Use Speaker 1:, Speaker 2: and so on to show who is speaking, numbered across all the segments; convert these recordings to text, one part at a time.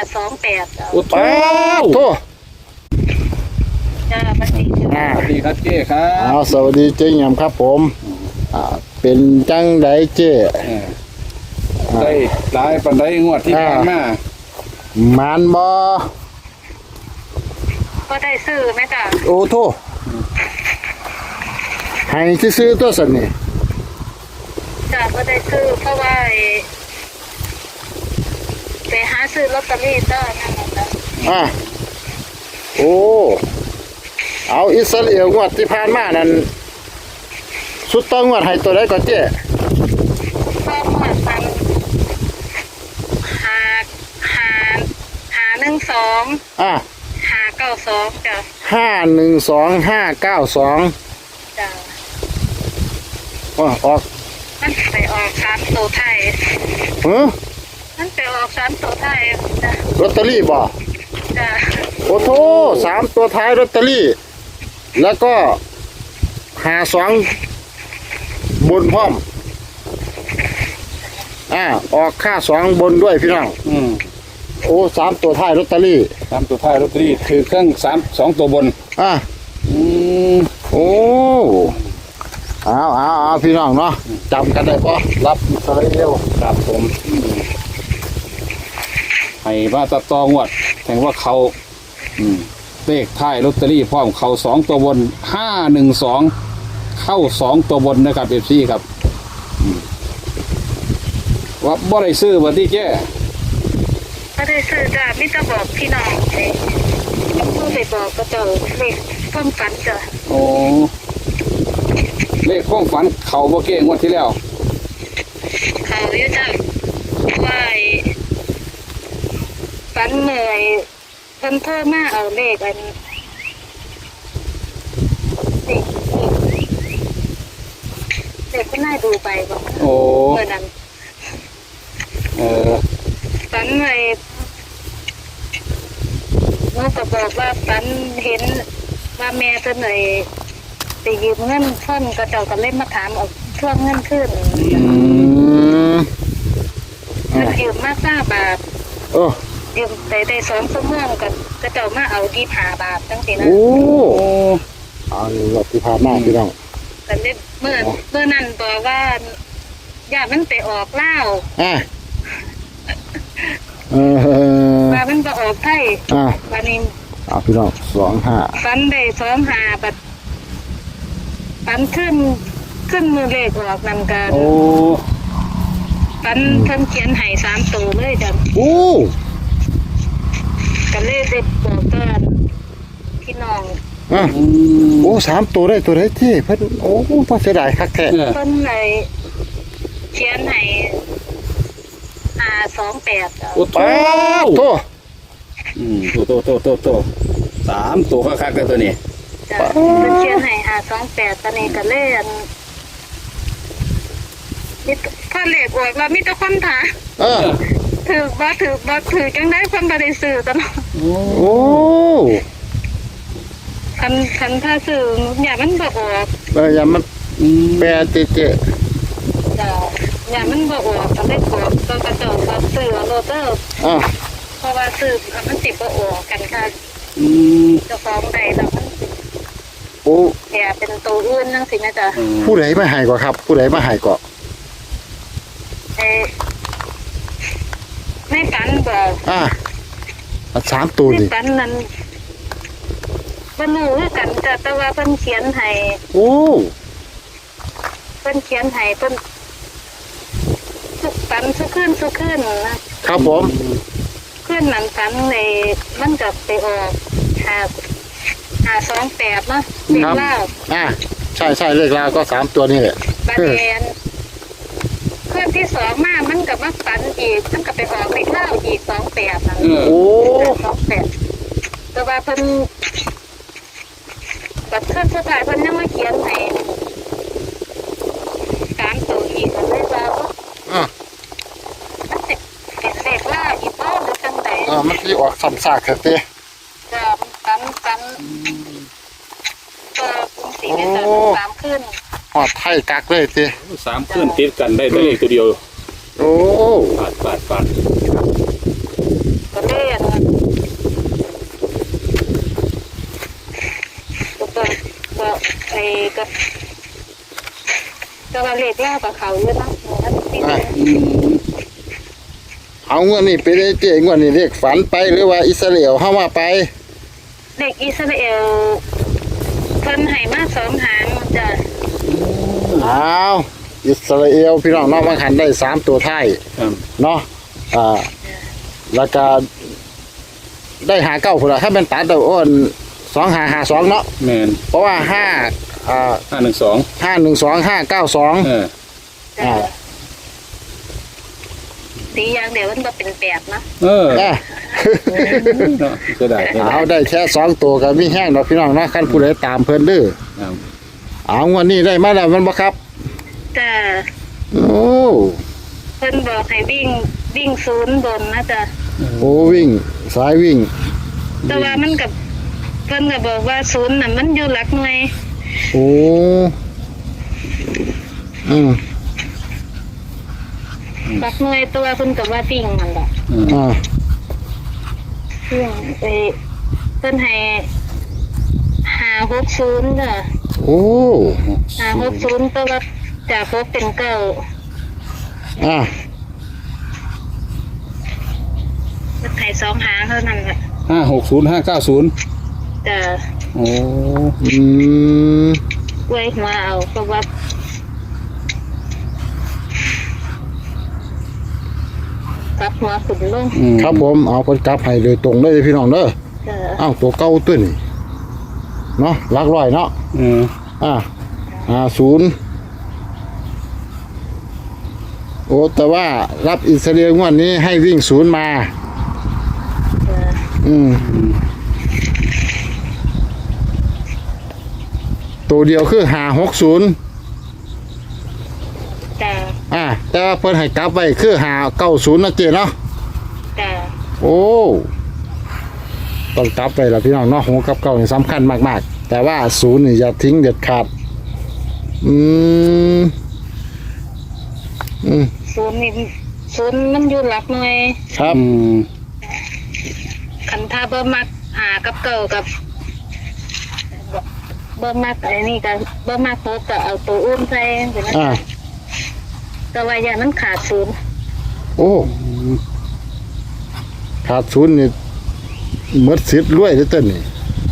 Speaker 1: 528จ้ะ
Speaker 2: โอ้โห
Speaker 3: โทษ
Speaker 1: จ้าบัดนี้
Speaker 2: สวัสดีครับเจ้ครับ
Speaker 3: สวัสดีเจ๊ยำครับผมเป็นจังไดเจ๊
Speaker 2: ได้หลายปันได้งวดที่ผ่านมา
Speaker 3: หมานบ่
Speaker 1: ก็ได้ซื้อไหมจ้ะ
Speaker 3: โอ้โทษให้ซื้อๆตัวสันนี่
Speaker 1: จ้ะก็ได้ซื้อเพราะว่าไปหาซื้อลอตเตอรี่จ้านั่นแหละจ้ะ
Speaker 3: โอ้เอาอิสราเอลงวดที่ผ่านมานั่นสุดต้องงวดให้ตัวใดก่อนเจ๊
Speaker 1: ก็หมดพันหา12
Speaker 3: อ่ะ
Speaker 1: 592จ้ะ
Speaker 3: 512592
Speaker 1: จ้ะ
Speaker 3: ออก
Speaker 1: มันไปออก3ตัวไทย มันไปออก3ตัวไทยจ้ะ
Speaker 3: ลอตเตอรี่บ่
Speaker 1: จ้ะ
Speaker 3: โอ้โถ3ตัวท้ายลอตเตอรี่ แล้วก็52บนพร้อมออกค่า2บนด้วยพี่น้องโอ้3ตัวท้ายลอตเตอรี่
Speaker 2: 3ตัวท้ายลอตเตอรี่คือเครื่อง2ตัวบน
Speaker 3: โอ้เอาพี่น้องเนาะจำกันได้ปะรับอิสราเอล
Speaker 2: ครับผมให้ว่าตัดต่องวดแข่งว่าเขาเลขท้ายลอตเตอรี่พร้อมเขา2ตัวบน512เข้า2ตัวบนนะครับเอฟซีครับว่าบ่ได้ซื้อบ่ที่เจ้
Speaker 1: ก็ได้ซื้อจ้ะมิตรบอกพี่น้องเลยผู้ไปบอกก็เจอเลขความฝันจ้ะ
Speaker 2: โอ้เลขความฝันเขาบ่เก้งวดที่แล้ว
Speaker 1: เขาอยู่จ้ะว่าฝันเหนื่อยเพิ่นเพิ่มมาเอาเลขอันเด็กก็น่าดูไปบอก
Speaker 2: โอ้
Speaker 1: เมื่อนั้น ฝันเลยน้องก็บอกว่าฝันเห็นว่าแม่เพิ่นเลยไปยืมเงินเพิ่นก็เจ้าก็เล่นมาถามเอาทวงเงินขึ้นมันยืมมา5 บาทยืมได้2 ชั่วโมงก็เจ้ามาเอา25 บาทจังซี่นะ
Speaker 3: โอ้เอารถที่ผ่านมาพี่น้อง
Speaker 1: ก็เลยเมื่อนั้นบอกว่าอย่ามันไปออกเล่าวว่ามันไปออกไทยวันนี้
Speaker 3: พี่น้อง25
Speaker 1: ฝันได้25บัดฝันขึ้นมือเลขออกนำกัน
Speaker 2: โอ้
Speaker 1: ฝันเพิ่นเขียนให้3 ตัวเลยจ้ะ
Speaker 3: โอ้
Speaker 1: ก็เลยได้บอกกันพี่น้อง
Speaker 3: โอ้3ตัวได้ตัวไหนที่เพิ่นโอ้พอเสียดายคักแท้
Speaker 1: เพิ่นเลยเขียนให้528จ้ะ
Speaker 2: โอ้โต
Speaker 3: โต
Speaker 2: 3ตัวคักๆกันตัวนี้
Speaker 1: จ้ะเพิ่นเขียนให้528ตอนนี้ก็เลยถ้าเลขออกแล้วมีแต่คนถามถือจังได้คนบ่ได้ซื้อตลอด
Speaker 3: โอ้
Speaker 1: คันถ้าซื้ออย่ามันบ่ออก
Speaker 3: อย่ามันแปรเจ๊
Speaker 1: จ้ะอย่ามันบ่ออกก็ได้กดก็กระจอกก็ซื้อโรเตอร์เพราะว่าซื้อมันสิบ่ออกกันค่ะเจ้าของใดแล้วมัน
Speaker 3: โอ้
Speaker 1: แค่เป็นตัวอื่นจังซี่นะจ๊ะ
Speaker 3: ผู้ใดมาให้ก่อครับผู้ใดมาให้ก่อ
Speaker 1: ไม่ฝันบอก
Speaker 3: 3ตัวดิ
Speaker 1: ฝันนั้นบ่รู้คือกันจ้ะแต่ว่าเพิ่นเขียนให้
Speaker 3: โอ้
Speaker 1: เพิ่นเขียนให้เพิ่นฝันสุขึ้นนะครับ
Speaker 3: ผม
Speaker 1: ขึ้นนั้นฝันเลยมันก็ไปออก528เนาะเลขลาว
Speaker 3: ใช่เลขลาวก็3ตัวนี่แหละ
Speaker 1: บัดนี้ขึ้นที่2มามันก็มาฝันอีกมันก็ไปออกเลขลาวอีก28นั่น
Speaker 3: โอ้
Speaker 1: 28แต่ว่าเพิ่นบัดขึ้นสุดท้ายเพิ่นยังมาเขียนให้3ตัวอีกก็เลยว่ามันสิเป็นเลขลาวอีกบ่หรือจังได
Speaker 3: มันสิออกซ้ำซากแท้เต้
Speaker 1: จ้ะฝันสีเป็น3ขึ้น
Speaker 3: ฮอดไทยกักเลยเต้
Speaker 2: 3ขึ้นติดกันได้เลขตัวเดียว
Speaker 3: โอ้
Speaker 2: ปาด
Speaker 1: ก็เล่นเลขแล้วกับเขาเยอะนะที่
Speaker 3: อ่ะเอางวดนี้ไปได้เจ๊งวดนี้เรียกฝันไปหรือว่าอิสราเอลเข้ามาไป
Speaker 1: เด็กอิสราเอลเพิ่นให้มา2 หางจ้ะ
Speaker 3: เอาอิสราเอลพี่น้องเนาะบางคันได้3ตัวท้าย
Speaker 2: ครับ
Speaker 3: เนาะแล้วก็ได้หาเก้าพุ่นละถ้าเป็นตัดตัวอ้น2552เนาะ
Speaker 2: แมน
Speaker 3: เพราะว่า
Speaker 2: 512
Speaker 3: 512 592
Speaker 1: จ้ะสีอย่างเดียวมันบ่เป็น8นะ
Speaker 2: เออ
Speaker 3: อ่ะ
Speaker 2: เนาะจะได้
Speaker 3: เอาได้แค่2ตัวก็มีแห้งดอกพี่น้องเนาะคันผู้ใดตามเพิ่นเด้อ
Speaker 2: ครับ
Speaker 3: เอางวดนี้ได้มาแล้วมันบ่ครับ
Speaker 1: จ้ะ
Speaker 3: โอ้
Speaker 1: เพิ่นบอกให้วิ่ง0บนนะจ้ะ
Speaker 3: โอ้วิ่งสายวิ่ง
Speaker 1: แต่ว่ามันกับเพิ่นก็บอกว่า0น่ะมันอยู่หลักหน่วย
Speaker 3: โอ้อืม
Speaker 1: หลักหน่วยตัวเพิ่นก็ว่าวิ่งนั่นแหละ
Speaker 3: อ่า
Speaker 1: วิ่งไปเพิ่นให้560จ้ะ
Speaker 3: โอ้
Speaker 1: 560ตัวว่าจาก6เป็น9
Speaker 3: อ่า
Speaker 1: เพิ่นให้2 หางเท่านั้นแหละ
Speaker 2: 560 590
Speaker 1: จ้ะ
Speaker 2: โอ้
Speaker 3: อืม
Speaker 1: ไว้หัวเอาเพราะว่า กลับหัวขึ้นลง
Speaker 3: ครับผมเอาเพิ่นกลับให้โดยตรงเลยพี่น้องเด้อ
Speaker 1: จ้ะ
Speaker 3: อ้าวตัวเก่าตัวนี้เนาะหลักร้อยเนาะ อ่า50โอ้แต่ว่ารับอิสราเอลงวดนี้ให้วิ่ง0มา
Speaker 1: จ้ะ
Speaker 3: อืมตัวเดียวคือ560
Speaker 1: จ้ะ
Speaker 3: แต่ว่าเพิ่นให้กลับไว้คือ590นะเจ๊เนาะ
Speaker 1: จ้ะ
Speaker 3: โอ้ต้องกลับไปละพี่น้องเนาะหัวกับเก่านี่สำคัญมากๆแต่ว่า0นี่อย่าทิ้งเด็ดขาดอืม
Speaker 1: 0นี่0มันอยู่หลักหน่วย
Speaker 3: ครับ
Speaker 1: คันถ้าบ่มักหากับเก่ากับบ่มักไอ้นี่ก็บ่มักโคก็เอาตัวอื่นใส่จังซี่
Speaker 3: อ่า
Speaker 1: นะแต่ว่าอย่ามันขาด0
Speaker 3: โอ้ขาด0นี่หมดสิทธิ์รวยเด้อเต้นนี่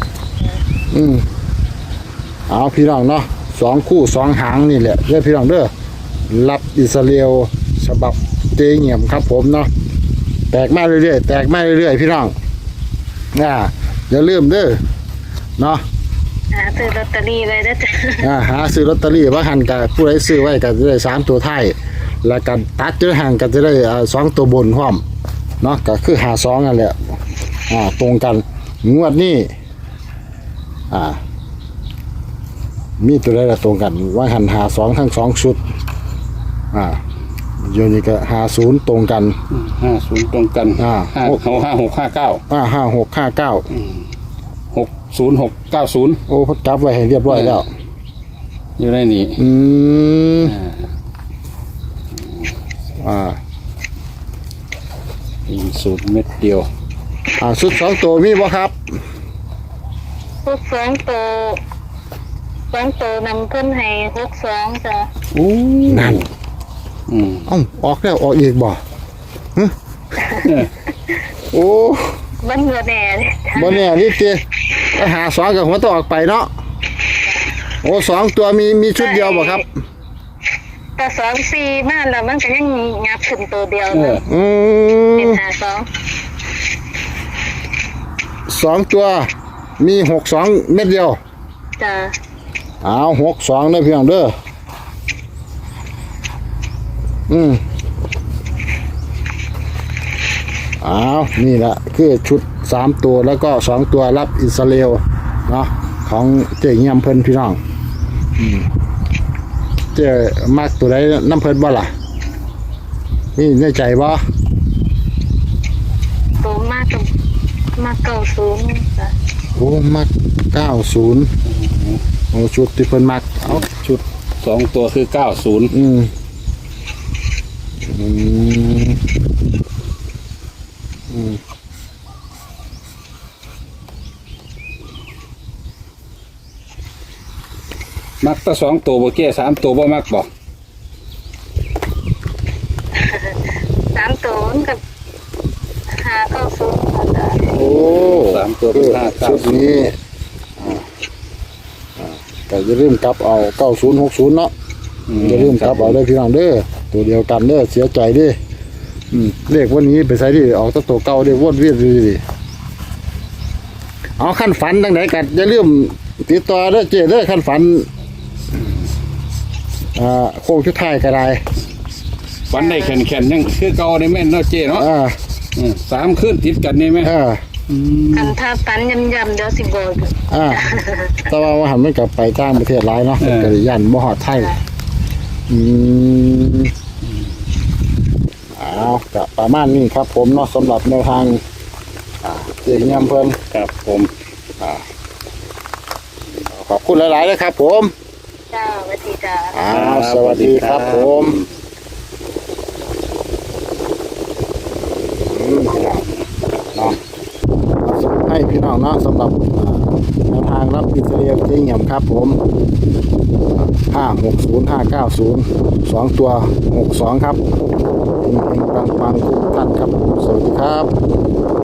Speaker 3: เอาพี่น้องเนาะ2คู่2หางนี่แหละเด้อพี่น้องเด้อรับอิสราเอลฉบับเจเงียมครับผมเนาะแตกมาเรื่อยๆแตกมาเรื่อยๆพี่น้องอย่าลืมเด้อเนาะ
Speaker 1: หาซื้อลอตเตอรี่ไว้เด้อจ้ะ
Speaker 3: หาซื้อลอตเตอรี่ว่าหันกับผู้ใดซื้อไว้ก็จะได้3ตัวท้ายแล้วกันตัดจะห่างก็จะได้2ตัวบนพร้อมเนาะก็คือ52นั่นแหละตรงกันงวดนี้มีตัวใดละตรงกันว่าหัน52ทั้ง2ชุดโยนี่ก็50ตรงกัน
Speaker 2: 50ตรงกัน 5659
Speaker 3: 5659
Speaker 2: 60690
Speaker 3: โอ้พัดจับไว้ให้เรียบร้อยแล้ว
Speaker 2: อยู่ในนี้ มีสูตรเม็ดเดียว
Speaker 3: ชุด2ตัวมีบ่ครับ
Speaker 1: พวก2ตัวนำเพิ่นให้62จ้ะ
Speaker 2: โอ้
Speaker 3: นั่นออกแล้วออกอีกบ่ฮะโอ้
Speaker 1: มันบ่แน่เด้
Speaker 3: บ่แน่นี่ติหา2กับหัวต้องออกไปเนาะโอ้2ตัวมีชุดเดียวบ่ครับ
Speaker 1: แต่2 4มาแล้วมันก็ยังงับขึ้นตัวเดียว
Speaker 2: เอ
Speaker 1: นะ
Speaker 2: อ
Speaker 1: เป็น
Speaker 3: 2ตัวมี62เม็ดเดียว
Speaker 1: จ้ะ
Speaker 3: เอา62เด้อพี่น้องเด้อนี่แหละคือชุด3ตัวแล้วก็2ตัวรับอิสราเอลเนาะของเจ๊เงียมเพิ่นพี่น้องเจ๊มักตัวใดน้ำเพิ่นบ่ล่ะนี่ในใจบ่
Speaker 1: ตัวมากกับมา90จ้ะ
Speaker 3: โอ้มัก90โอ้ชุดที่เพิ่นมัก
Speaker 2: เอาชุด2ตัวคือ90มักแต่2ตัวบ่แก่3ตัวบ่มักบ่
Speaker 1: 90กับ590จ้ะ
Speaker 3: โอ้
Speaker 2: สามตัวเป็นห้าเก้า
Speaker 3: ชุดนี้แต่อย่าลืมกลับเอา9060เนาะอย่าลืมกลับเอาได้อพี่น้องเด้อตัวเดียวกันเด้อเสียใจเด้อเลขวันนี้ไปใส่ดิออกตัวเก่าเด้อวนเวียนดิเอาขั้นฝันจังไหนกันอย่าลืมติดต่อเด้อเจ้เด้อขั้นฝันโค้งชุดท้ายก็ได้
Speaker 2: ฝันได้แข็งๆยังคือเก่าในแม่นเนาะเจ้เนาะสามคืนติดกันนี่ไหม
Speaker 1: คันถ้าปันย่ำๆเดี๋ยวสิบอก
Speaker 3: แต่ว่าหันมันกลับไปต่างประเทศหลายเนาะกระยันบ่ฮอดไทยเอาก็ประมาณนี้ครับผมเนาะสำหรับแนวทางเจียงยำเพิ่น
Speaker 2: ครับผม
Speaker 3: ขอบคุณหลายๆเลยครับผม
Speaker 1: จ้าสวัสดีจ้า
Speaker 3: สวัสดีครับผมเนาะให้พี่น้องเนาะสำหรับแนวทางรับอิสราเอลเจียงครับผม560590 2ตัว62ครับปังๆทุกท่านครับสวัสดีครับ